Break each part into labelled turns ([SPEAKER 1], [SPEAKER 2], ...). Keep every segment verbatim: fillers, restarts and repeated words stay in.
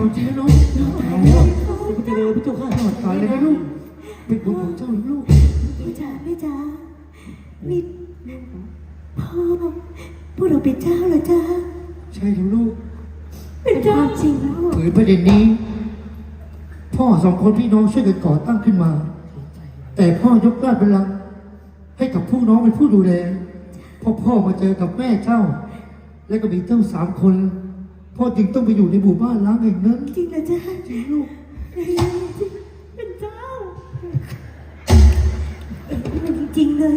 [SPEAKER 1] ความจริงนะน้องตายแล้วพระเจริญพระเจ้าข้าตอดตายเลยนะลูกเป็นบุญของเจ้าลูก
[SPEAKER 2] แม่จ๋าแม่จ๋านี่พ่อพวกเราเป็นเจ้าเหรอจ๊ะ
[SPEAKER 1] ใช่แล้วลูก
[SPEAKER 2] เป็นเจ้าจริงลูก
[SPEAKER 1] เผยประเด็นนี้พ่อสองคนพี่น้องช่วยกันก่อตั้งขึ้นมาแต่พ่อยกราชบัลลังก์ให้กับผู้น้องเป็นผู้ดูแลพอพ่อมาเจอกับแม่เจ้าและก็มีเจ้าสามคนพ่อจึงต้องไปอยู่ในหมู่บ้านล้างแห่งนั้น
[SPEAKER 2] จริงเหรอจ๊ะ
[SPEAKER 1] จริงลูก
[SPEAKER 2] เป็นเจ้าเป็นจริงๆเลย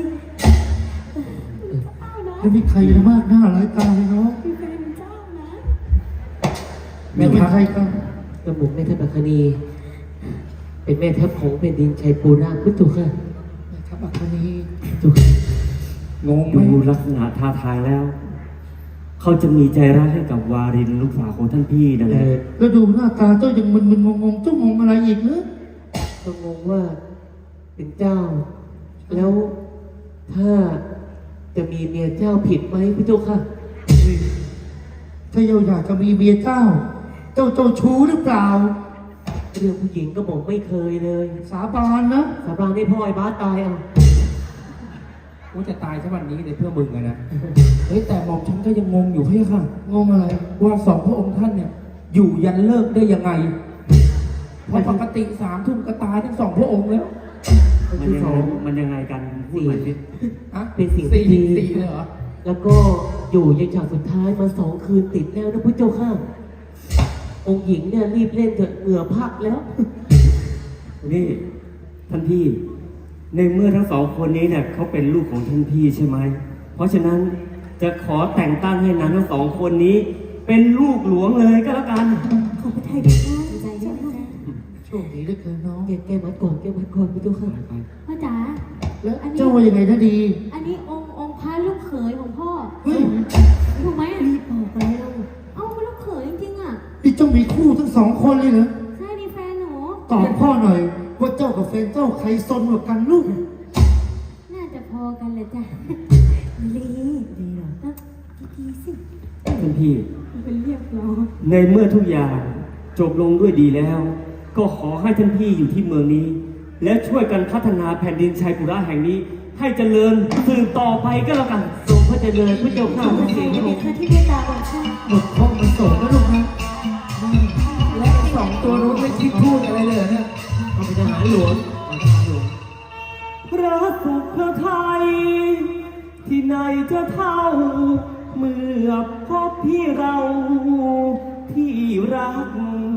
[SPEAKER 1] แล้วมีใครมากหน้าหลายตาเลยเนาะ
[SPEAKER 2] เป็นเจ้านะ
[SPEAKER 1] แม่เป็นใครกัน
[SPEAKER 3] กระหม่อมแม่ทัพอัคนีเป็นแม่ทัพของแผ่นดินชัยปูราพุทธุค่ะ
[SPEAKER 1] แม่ทัพอัคนี
[SPEAKER 3] จุก
[SPEAKER 4] งงดูลักษณะท่าทางแล้วเขาจะมีใจรักให้กับวารินลูกสาวของท่านพี่นั่นแหละ
[SPEAKER 1] แล้วดูหน้าตาเจ้ายังมึนๆงงๆเจ้างงอะไรอีกเนอะ
[SPEAKER 3] ก็งงว่าเป็นเจ้าแล้วถ้าจะมีเมียเจ้าผิดไหมพี่เจ้าค่ะ
[SPEAKER 1] ถ้าเจ้าอยากจะมีเมียเจ้าเจ้าเจ้าชู้หรือเปล่า
[SPEAKER 3] เรื่องผู้หญิงก็บอกไม่เคยเลย
[SPEAKER 1] สาบานนะ
[SPEAKER 3] สาบานให้พ่อไอ้บ้าตายอ่ะ
[SPEAKER 5] ว่าจะตายสักวันนี้เลยเพื่อมึงอะนะเฮ้ยแต่หม่อมฉันก็ยังงงอยู่พี่ค่ะ
[SPEAKER 1] งงอะไร
[SPEAKER 5] ว่าสองพระองค์ท่านเนี่ยอยู่ยันเลิกได้ยังไงเพราะปกติสามทุ่มก็ตายทั้งสองพระองค์แล้ว
[SPEAKER 4] มันยังไงมันยังไงกันพูดหน่อยสิ
[SPEAKER 5] ฮะ
[SPEAKER 3] เป็นสิ่ง
[SPEAKER 5] ที่
[SPEAKER 3] ดี
[SPEAKER 5] สี่เลยเหรอ
[SPEAKER 3] แล้วก็อยู่ยันฉากสุดท้ายมาสองคืนติดแล้วนะพุทธเจ้าข้าองค์หญิงเนี่ยรีบเล่นเถอะเหงื่อพักแล้ว
[SPEAKER 4] นี่ท่านพี่ในเมื่อทั้งสองคนนี้เนี่ยเขาเป็นลูกของท่านพี่ใช่ไหมเพราะฉะนั้นจะขอแต่งตั้งให้นางทั้งสองคนนี้เป็นลูกหลวงเลยก็แล้วกัน
[SPEAKER 2] ขอพระทัยด้วยพ่อใจเย็นนะ
[SPEAKER 1] โชคดีเหลือเกินน้อง
[SPEAKER 3] แกแกมัดก่อนแกมัดก่อนพุทธเจ้าข้า
[SPEAKER 2] พ่อจ๋า
[SPEAKER 1] แล้วเจ้าว่ายังไงนะดี
[SPEAKER 2] อันนี้องค์องค์พระลูกเขยของพ่อ
[SPEAKER 1] เฮ้ย
[SPEAKER 2] ถูกไหมรีบบอกไปแล้วเอ้าลูกเขยจริงๆอ่ะ
[SPEAKER 1] นี่เจ้ามีคู่ทั้งสองคนเลยเหรอ
[SPEAKER 2] ใช่นี่แฟนหนู
[SPEAKER 1] ตอบพ่อหน่อยว่าเจ้ากับแฟนเจ้าใครซนกว่ากันลูก
[SPEAKER 2] น่าจะพอกันเลยจ้ะลีดีเหรอดีสิ
[SPEAKER 4] ท่านพี่
[SPEAKER 2] เป็นเรียบร้อย
[SPEAKER 4] ในเมื่อทุกอย่างจบลงด้วยดีแล้วก็ขอให้ท่านพี่อยู่ที่เมืองนี้และช่วยกันพัฒนาแผ่นดินชัยปุระแห่งนี้ให้เจริญสืบต่อไปก็แล้วกัน
[SPEAKER 3] ทรงพระเจริญพระเจ้าข้าพระเจ้า
[SPEAKER 2] ที่เมตตาของข้า
[SPEAKER 1] หมดข้อมันโศกนะลูกนะ
[SPEAKER 5] และสองตัวนู้นไม่คิดพูดอะไรเลยเนี่ย
[SPEAKER 3] เขาเป็นทหารหลวง
[SPEAKER 4] พระสุขพระไทยที่ไหนจะเท่าเมื่อพบพี่เราที่รัก